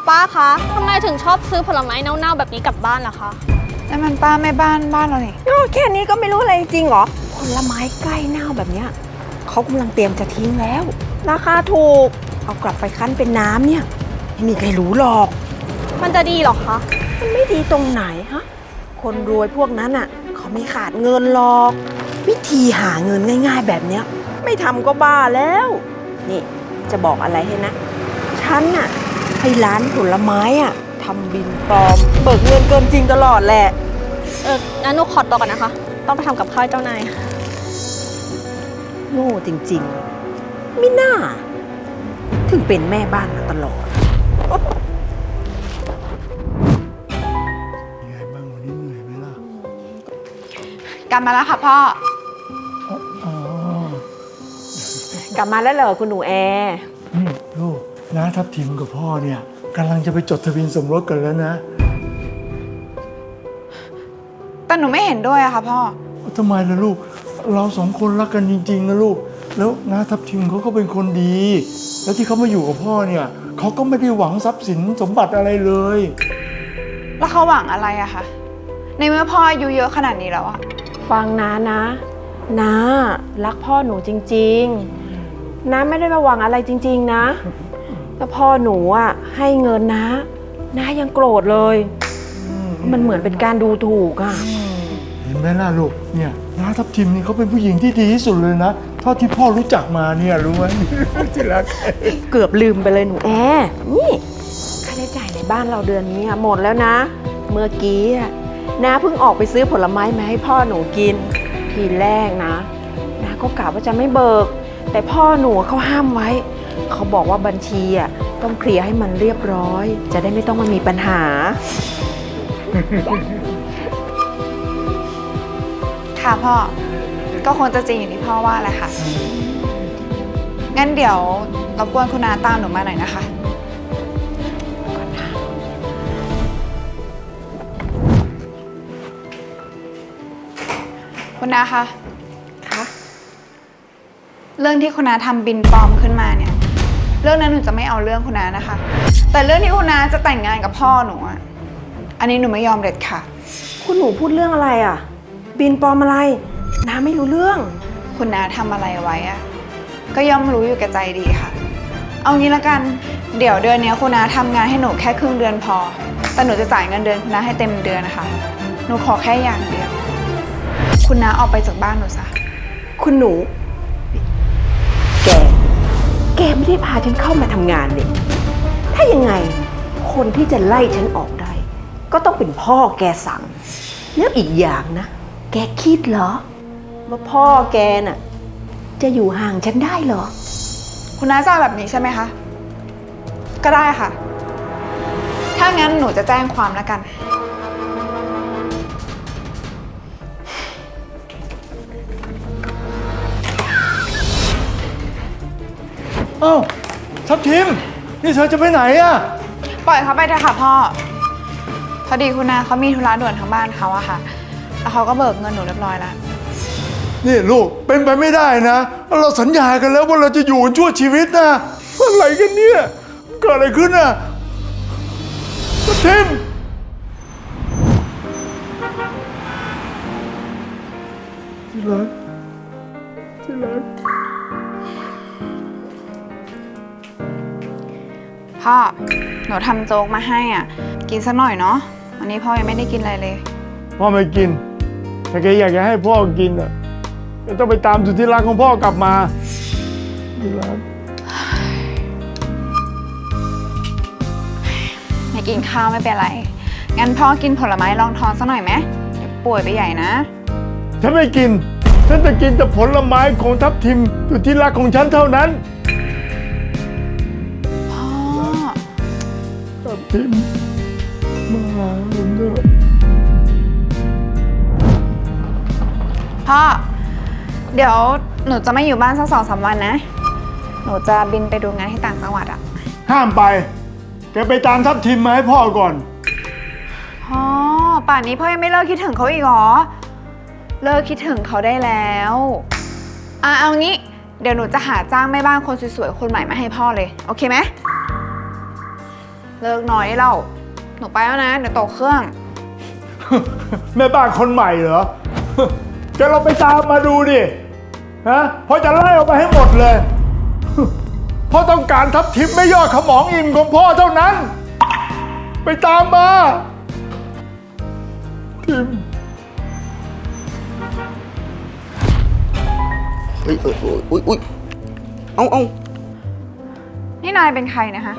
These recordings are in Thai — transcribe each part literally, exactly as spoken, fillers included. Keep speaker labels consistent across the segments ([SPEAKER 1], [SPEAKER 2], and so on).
[SPEAKER 1] ป้าคะทำไมถึงชอบซื้อผลไม้เน่าๆแบบนี้กลับบ้านล่ะคะ
[SPEAKER 2] นั่นมันป้าแม่บ้านบ้านเราเนี่ย
[SPEAKER 3] แค่นี้ก็ไม่รู้อะไรจริงเหรอผลไม้ใกล้เน่าแบบเนี้ยเขากำลังเตรียมจะทิ้งแล้วราคาถูกเอากลับไปคั้นเป็นน้ำเนี่ยไม่มีใครรู้หรอก
[SPEAKER 1] มันจะดีหรอคะ
[SPEAKER 3] มันไม่ดีตรงไหนฮะคนรวยพวกนั้นอ่ะเขาไม่ขาดเงินหรอกวิธีหาเงินง่ายๆแบบเนี้ยไม่ทำก็บ้าแล้วนี่จะบอกอะไรให้นะฉันน่ะให้ร้านผลไม้อ่ะทำบินปลอมเบิกเงินเกินจริงตลอดแหละ
[SPEAKER 1] เอองั้นหนูขอตัวก่อนนะคะต้องไปทำกับข้าวเจ้านาย
[SPEAKER 3] โง่จริงๆไม่น่าถึงเป็นแม่บ้านมาตลอด
[SPEAKER 4] ยังไงบ้างวันนี้เหนื่อยไหมล่ะ
[SPEAKER 2] กลับมาแล้วค่ะพ่อ
[SPEAKER 4] อ๋อก
[SPEAKER 3] ลับมาแล้วเหรอคุณหนูแอร์
[SPEAKER 4] นี่ลูกน้าทับทิมกับพ่อเนี่ยกำลังจะไปจดทะเบียนสมรสกันแล้วนะ
[SPEAKER 2] แต่หนูไม่เห็นด้วยอะค่ะพ่อ
[SPEAKER 4] ทำไมล่ะลูกเราสองคนรักกันจริงๆนะลูกแล้วน้าทับทิมเขาก็เป็นคนดีแล้วที่เขามาอยู่กับพ่อเนี่ยเขาก็ไม่ได้หวังทรัพย์สินสมบัติอะไรเลย
[SPEAKER 2] แล้วเขาหวังอะไรอะคะในเมื่อพ่ออายุเยอะขนาดนี้แล้วอะ
[SPEAKER 3] ฟังน้านะน้ารักพ่อหนูจริงๆน้าไม่ได้มาหวังอะไรจริงๆนะแต่พ่อหนูอ่ะให้เงินน้าน้ายังโกรธเลยมันเหมือนเป็นการดูถูกอ่ะ
[SPEAKER 4] เห็นไหมล่ะลูกเนี่ยน้าทับทิมนี่เขาเป็นผู้หญิงที่ดีที่สุดเลยนะเท่าที่พ่อรู้จักมาเนี่ยรู้ไหมที่รัก
[SPEAKER 3] เกือบลืมไปเลยหนูแอร์นี่ค่าใช้จ่ายในบ้านเราเดือนนี้หมดแล้วนะเมื่อกี้น้าเพิ่งออกไปซื้อผลไม้มาให้พ่อหนูกินทีแรกนะน้าก็กะว่าจะไม่เบิกแต่พ่อหนูเขาห้ามไว้เขาบอกว่าบัญชีอ่ะต้องเคลียร์ให้มันเรียบร้อยจะได้ไม่ต้องมามีปัญหา
[SPEAKER 2] ค่ะพ่อก็คงจะจริงอย่างที่พ่อว่าแหละค่ะงั้นเดี๋ยวรบกวนคุณนาตามหนูมาหน่อยนะคะคุณนาคะ
[SPEAKER 3] คะ
[SPEAKER 2] เรื่องที่คุณนาทำบินปลอมขึ้นมาเนี่ยเรื่องนั้นหนูจะไม่เอาเรื่องคุณนานะคะแต่เรื่องที่คุณนาจะแต่งงานกับพ่อหนูอ่ะอันนี้หนูไม่ยอมเด็ดค่ะ
[SPEAKER 3] คุณหนูพูดเรื่องอะไรอ่ะบินปลอมอะไรน้าไม่รู้เรื่อง
[SPEAKER 2] คุณนาทำอะไรไว้อ่ะก็ย่อมรู้อยู่แก่ใจดีค่ะเอางี้ละกันเดี๋ยวเดือนนี้คุณนาทำงานให้หนูแค่ครึ่งเดือนพอแต่หนูจะจ่ายเงินเดือนคุณนาให้เต็มเดือนนะคะหนูขอแค่อย่างเดียวคุณนาออกไปจากบ้านหนูซะ
[SPEAKER 3] คุณหนูแกแกไม่ได้พาฉันเข้ามาทำงานเนี่ยถ้ายังไงคนที่จะไล่ฉันออกได้ก็ต้องเป็นพ่อแกสั่งแล้วอีกอย่างนะแกคิดเหรอว่าพ่อแกน่ะจะอยู่ห่างฉันได้เหรอ
[SPEAKER 2] คุณน้าจะแบบนี้ใช่ไหมคะก็ได้ค่ะถ้างั้นหนูจะแจ้งความแล้วกัน
[SPEAKER 4] เอ้าทับทิมนี่เธอจะไปไหนอะ
[SPEAKER 2] ปล่อยเขาไปเถอะค่ะพ่อพอดีคุณนาเขามีธุระด่วนทางบ้านเขาอะค่ะแล้วเขาก็เบิกเงินหนูเรียบร้อยแล้ว
[SPEAKER 4] นี่ลูกเป็นไปไม่ได้นะเราสัญญากันแล้วว่าเราจะอยู่กันชั่วชีวิตนะอะไรกันเนี่ยเกิดอะไรขึ้นอะทับทิมที่รักที่รัก
[SPEAKER 2] พ่อหนูทำโจ๊กมาให้อ่ะกินสักหน่อยเนาะวันนี้พ่อยังไม่ได้กินอะไรเลย
[SPEAKER 4] พ่อไม่กินแต่แกอยากจะให้พ่อกินอ่ะก็ต้องไปตามสุดที่รักของพ่อกลับมาที่รัก
[SPEAKER 2] ไม่กินข้าวไม่เป็นไรงั้นพ่อกินผลไม้รองท้องสักหน่อยไหมเดี๋ยวป่วยไปใหญ่นะ
[SPEAKER 4] ฉันไม่กินฉันจะกินแต่ผลไม้ของทับทิมสุดที่รักของฉันเท่านั้นทับทิมมาหาผมเถอะ
[SPEAKER 2] พ่อเดี๋ยวหนูจะไม่อยู่บ้านสักสองสามวันนะหนูจะบินไปดูงานที่ต่างจังหวัดอะ
[SPEAKER 4] ห้ามไปแกไปตามทับทิมมาให้พ่อก่อน
[SPEAKER 2] พ่อป่านนี้พ่อยังไม่เลิกคิดถึงเขาอีกเหรอเลิกคิดถึงเขาได้แล้วอ่ะเอางี้เดี๋ยวหนูจะหาจ้างแม่บ้านคนสวยๆคนใหม่มาให้พ่อเลยโอเคไหมเลิกน้อยเล่าหนูไปแล้วนะ เดี๋ยวตกเครื่อง
[SPEAKER 4] แม่บ้านคนใหม่เหรอ จะเราไปตามมาดูดิ ฮะเพราะจะไล่ออกไปให้หมดเลย พ่อต้องการทับทิมไม่ยอดขมองอิ่มของพ่อเท่านั้น ไปตามมา ทิม
[SPEAKER 5] เฮ้ยเอออุ้ยอุ้ยอุ้ยเอาเอา
[SPEAKER 2] นี่นายเป็นใครนะคะ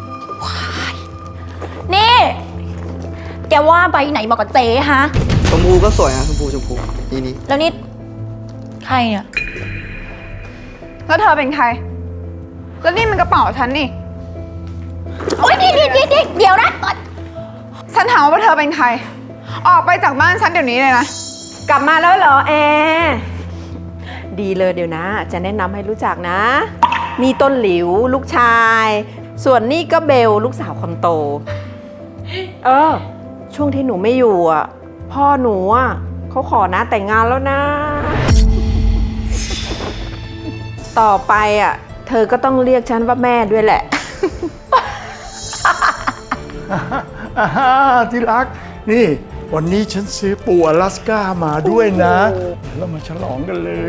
[SPEAKER 1] นี่ แกว่าใบไหนเหมาะกับเจ๊ฮะ
[SPEAKER 5] ชมพูก็สวยนะชมพูชมพูนี่นี่
[SPEAKER 1] แล้วนี่ ใครเนี่ย
[SPEAKER 2] แล้วเธอเป็นใคร แล้วนี่มันกระเป๋าฉันนี่
[SPEAKER 1] โอ๊ยนี่นี่นี่นี่เดี๋ยวนะ
[SPEAKER 2] ฉันถามว่าเธอเป็นใคร ออกไปจากบ้านฉันเดี๋ยวนี้เลยนะ
[SPEAKER 3] กลับมาแล้วเหรอแอร์ดีเลยเดี๋ยวนะ จะแนะนำให้รู้จักนะ นี่ต้นหลิวลูกชาย ส่วนนี่ก็เบลลูกสาวคนโต เออ ช่วงที่หนูไม่อยู่อ่ะ พ่อหนูอ่ะเขาขอนะแต่งงานแล้วนะ ต่อไปอ่ะ เธอก็ต้องเรียกฉันว่าแม่ด้วยแหละ
[SPEAKER 4] อ่าที่รัก นี่ วันนี้ฉันซื้อปูอลาสก้ามาด้วยนะเดี๋ยวเรามาฉลองกันเลย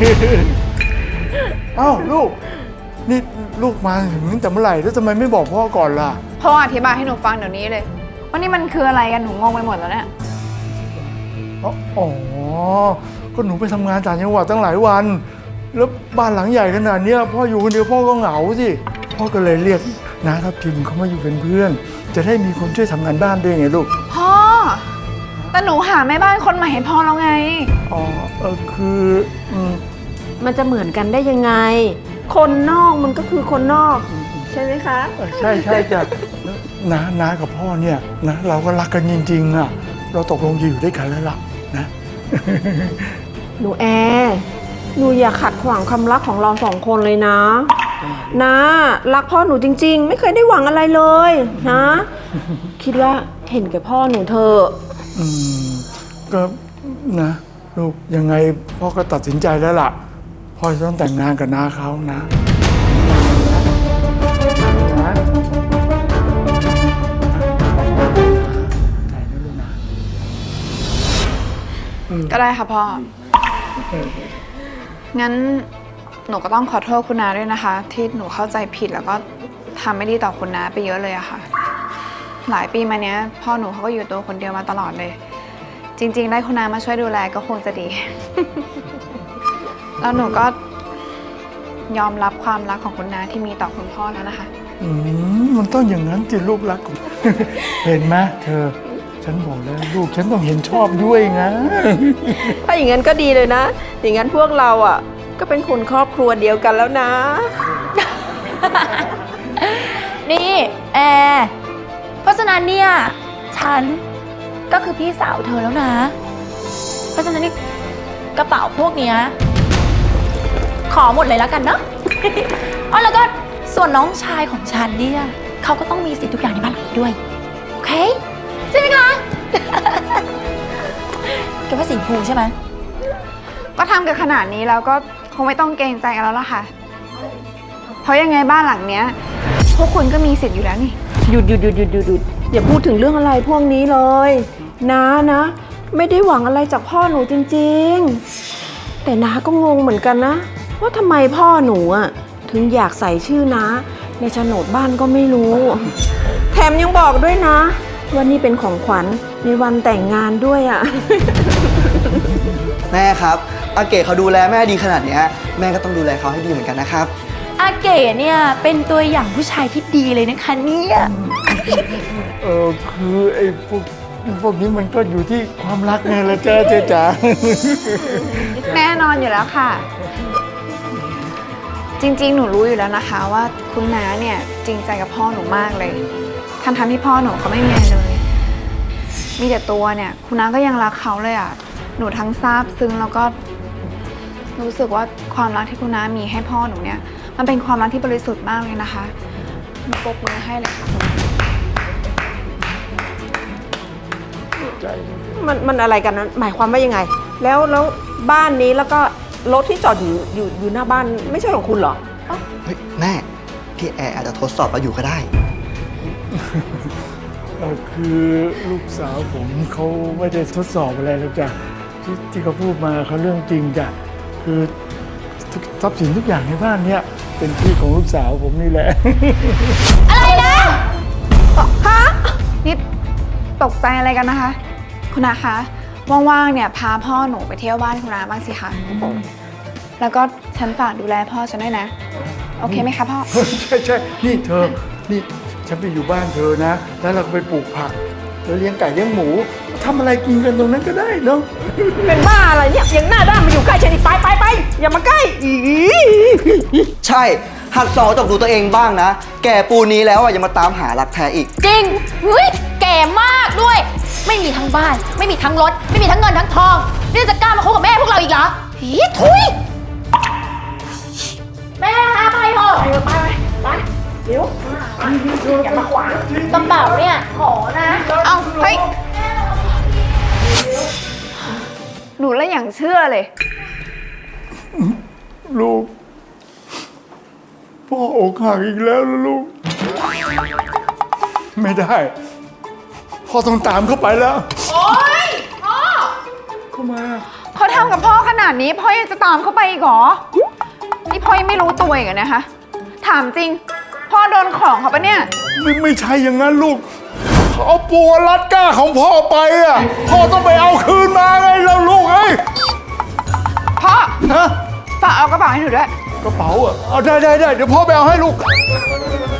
[SPEAKER 4] เอ้าลูก นี่ลูกมาถึงตั้งแต่เมื่อไหร่แล้วทำไมไม่บอกพ่อก่อนล่ะ
[SPEAKER 2] พ่ออธิบายให้หนูฟังเดี๋ยวนี้เลยว่านี่มันคืออะไรกัน หนูงงไปหมดแล้วเนี่ย
[SPEAKER 4] อ๋ออ๋อ ก็หนูไปทำงานต่างจังหวัดตั้งหลายวัน แล้วบ้านหลังใหญ่ขนาดเนี้ยพ่ออยู่คนเดียวพ่อก็เหงาสิ พ่อก็เลยเรียกน้าทับทิมเขามาอยู่เป็นเพื่อน จะได้มีคนช่วยทำงานบ้านด้วยไงลูก
[SPEAKER 2] พ่อ แต่หนูหาแม่บ้านคนใหม่ให้พ่อแล้วไง
[SPEAKER 4] อ๋อ เออคืออืม
[SPEAKER 3] มันจะเหมือนกันได้ยังไง คนนอกมันก็คือคนนอก ใช่ไหมคะ
[SPEAKER 4] เออใช่ใช่จ้ะน้าน้ากับพ่อเนี่ยนะเราก็รักกันจริงๆอ่ะ เราตกลงจะอยู่ด้วยกันแล้วล่ะนะ
[SPEAKER 3] หนูแอร์หนูอย่าขัดขวางความรักของเราสองคนเลยนะ นะรักพ่อหนูจริงๆ ไม่เคยได้หวังอะไรเลยนะ คิดว่าเห็นแก่พ่อหนูเธอะ
[SPEAKER 4] อืมก็นะลูกยังไงพ่อก็ตัดสินใจแล้วล่ะ พ่อจะต้องแต่งงานกับน้าเขานะนะใจนะลูกนะ
[SPEAKER 2] ก็ได้ค่ะพ่อ งั้นหนูก็ต้องขอโทษคุณนาด้วยนะคะ ที่หนูเข้าใจผิดแล้วก็ทำไม่ดีต่อคุณนาไปเยอะเลยอะค่ะ หลายปีมาเนี้ย พ่อหนูเขาก็อยู่ตัวคนเดียวมาตลอดเลย จริง ๆ ได้คุณนามาช่วยดูแลก็คงจะดี แล้วหนูก็ยอมรับความรักของคุณนาที่มีต่อคุณพ่อแล้วนะคะ
[SPEAKER 4] อืมมันต้องอย่างนั้นจิลูกรักของ เห็นไหมเธอ ฉันบอกแล้วลูกฉันต้องเห็นชอบด้วยนะ
[SPEAKER 3] ถ้าอย่างนั้นก็ดีเลยนะ อย่างนั้นพวกเราอ่ะ ก็เป็นคนครอบครัวเดียวกันแล้วนะ
[SPEAKER 1] นี่แอร์เพราะฉะนั้นเนี่ย ฉันก็คือพี่สาวเธอแล้วนะ เพราะฉะนั้นนี่กระเป๋าพวกเนี้ยขอหมดเลยแล้วกันเนาะ อ๋อแล้วก็ส่วนน้องชายของฉันเนี่ยเขาก็ต้องมีสิทธิ์ทุกอย่างในบ้านหลังนี้ด้วย โอเค ใช่ไหมคะ แกว่าสีชมพูใช่ไหม
[SPEAKER 2] ก็ทำกันขนาดนี้แล้วก็คงไม่ต้องเกรงใจกันแล้วล่ะค่ะ เพราะยังไงบ้านหลังเนี้ย พวกคุณก็มีสิทธิ์อยู่แล้วนี่
[SPEAKER 3] หยุดหยุดหยุดหยุดหยุดหยุดอย่าพูดถึงเรื่องอะไรพวกนี้เลยนะนะ ไม่ได้หวังอะไรจากพ่อหนูจริงๆ แต่น้าก็งงเหมือนกันนะ ว่าทำไมพ่อหนูอ่ะถึงอยากใส่ชื่อน้าในโฉนดบ้านก็ไม่รู้ แถมยังบอกด้วยนะว่านี่เป็นของขวัญในวันแต่งงานด้วยอ่ะ
[SPEAKER 5] แม่ครับอาเก๋เขาดูแลแม่ดีขนาดเนี้ยแม่ก็ต้องดูแลเขาให้ดีเหมือนกันนะครับ
[SPEAKER 1] อาเก๋เนี่ยเป็นตัวอย่างผู้ชายที่ดีเลยนะคะเนี่ย
[SPEAKER 4] เออคือไอ้พวกพวกนี้มันก็อยู่ที่ความรักไงละจ้าเจ๊จ๋า
[SPEAKER 2] แน่นอนอยู่แล้วค่ะ จริงๆ หนูรู้อยู่แล้วนะคะ ว่าคุณน้าเนี่ยจริงใจกับพ่อหนูมากเลยทั้งทที่พ่อหนูเขาไม่มีอะไรเลย มีแต่ตัวเนี่ยคุณน้าก็ยังรักเขาเลยอ่ะ หนูทั้งซาบซึ้งแล้วก็รู้สึกว่าความรักที่คุณน้ามีให้พ่อหนูเนี่ยมันเป็นความรักที่บริสุทธิ์มากเลยนะคะหนูปรบมือให้เลยค่ะ
[SPEAKER 3] มันมันอะไรกันนั้นหมายความว่ายังไง แล้วแล้วบ้านนี้แล้วก็รถที่จอดอยู่อยู่อยู่หน้าบ้านไม่ใช่ของคุณเหรอ
[SPEAKER 5] เฮ้ยแม่พี่แอร์อาจจะทดสอบเราอยู่ก็ได้
[SPEAKER 4] เอ่อคือลูกสาวผมเขาไม่ได้ทดสอบอะไรหรอกจ้ะที่ที่เขาพูดมาเขาเรื่องจริงจ้ะคือทุกทรัพย์สินทุกอย่างในบ้านเนี่ยเป็นที่ของลูกสาวผมนี่แหละ
[SPEAKER 1] อะไรนะ
[SPEAKER 2] ฮะนี่ตกใจอะไรกันนะคะ คุณอาคะว่างๆเนี่ยพาพ่อหนูไปเที่ยวบ้านคุณอาบ้างสิคะแล้วก็ฉันฝากดูแลพ่อฉันด้วยนะ โอเคไหมคะพ่อ
[SPEAKER 4] ใช่ใช่นี่เธอ นี่ฉันไปอยู่บ้านเธอนะ แล้วเราก็ไปปลูกผักแล้วเลี้ยงไก่เลี้ยงหมูทำอะไรกินกันตรงนั้นก็ได้เนาะ
[SPEAKER 3] เป็นบ้าอะไรเนี่ยยังหน้าด้านมาอยู่ใกล้ฉันอีกไปไปไปอย่ามาใกล้อี
[SPEAKER 5] ใช่ หัดสอนตกดูตัวเองบ้างนะ แก่ปูนนี้แล้วอ่ะอย่ามาตามหารักแท้อีก
[SPEAKER 1] จริงเฮ้ยแก่มากด้วย ไม่มีทั้งบ้าน ไม่มีทั้งรถ ไม่มีทั้งเงินทั้งทอง นี่จะกล้ามาคบกับแม่พวกเราอีกเหรอหีทุยแม่หาไปเถอะ
[SPEAKER 3] ไปไปไปเดี๋ยวอย่ามาขวาง
[SPEAKER 1] กระเป๋าเนี่ยขอนะ
[SPEAKER 2] เอาเฮ้ยหนูแล้วอย่างเชื่อเลย
[SPEAKER 4] ลูก พ่ออกหักอีกแล้วนะลูก ไม่ได้ พ่อต้องตามเข้าไปแล้ว
[SPEAKER 2] โอ๊ยพ่อ
[SPEAKER 4] เข้ามา
[SPEAKER 2] เขาทำกับพ่อขนาดนี้พ่อยังจะตามเข้าไปอีกเหรอ นี่พ่อยังไม่รู้ตัวอีกเหรอนะคะ ถามจริง พ่อโดนของเขาปะเนี่ย
[SPEAKER 4] ไม่ไม่ใช่อย่างนั้นลูกเขาเอาปูอลาสก้าของพ่อไปอ่ะ พ่อต้องไปเอาคืนมาไงแล้วลูกเอ้ย
[SPEAKER 2] พ่อ
[SPEAKER 4] ฮะ
[SPEAKER 2] ฝากเอากระเป๋าให้หนูด้วย
[SPEAKER 4] กระเป๋าอ่ะ เอาได้ได้ได้เดี๋ยวพ่อไปเอาให้ลูก